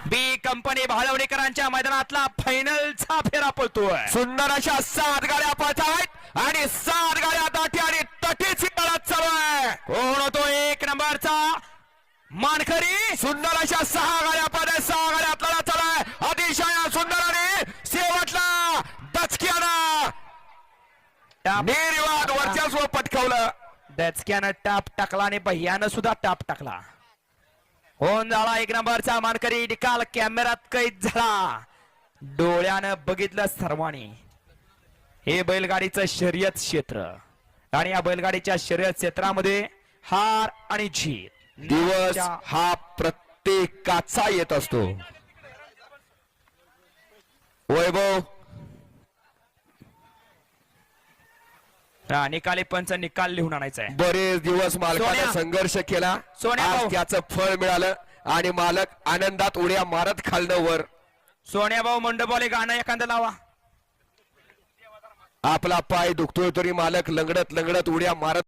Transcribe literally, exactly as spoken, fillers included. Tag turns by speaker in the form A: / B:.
A: बी company भाळवणीकरांच्या मैदानातला फायनलचा फेरा पळतोय.
B: सुंदर अशा सात गाड्या पळत आहेत आणि सात गाड्या दाटी आणि तटीची लढत चालू आहे.
A: कोण होतो एक नंबरचा मानकरी?
B: सुंदर अशा सहा गाड्या पळत सहा गाड्या आपल्याला चालू आहे. अतिशय सुंदर आणि शेवटला दचक्यानं निर्वाद वर्चस्व पटकावलं.
A: दचक्यानं टाप टाकला आणि भैयानं सुद्धा टाप टाकला. होऊन झाला एक नंबरचा मानकरी. निकाल कॅमेऱ्यात कैद झाला. डोळ्यानं बघितलं सर्वांनी. हे बैलगाडीचं शर्यत क्षेत्र आणि या बैलगाडीच्या शर्यत क्षेत्रामध्ये हार आणि जीत
B: दिवस हा प्रत्येकाचा येत असतो. वैभव
A: हा, निकाली पंच निकाल लिहून आणायचा आहे.
B: बरेच दिवस मालकाने
A: सोन्या.
B: संघर्ष केला.
A: सोन्या
B: आज
A: भाऊ.
B: त्याचं फळ मिळालं आणि मालक आनंदात उड्या मारत खालनं वर.
A: सोन्याभाऊ मंडपवाले गाणं एखादं लावा.
B: आपला पाय दुखतोय तरी मालक लंगडत लंगडत उड्या मारत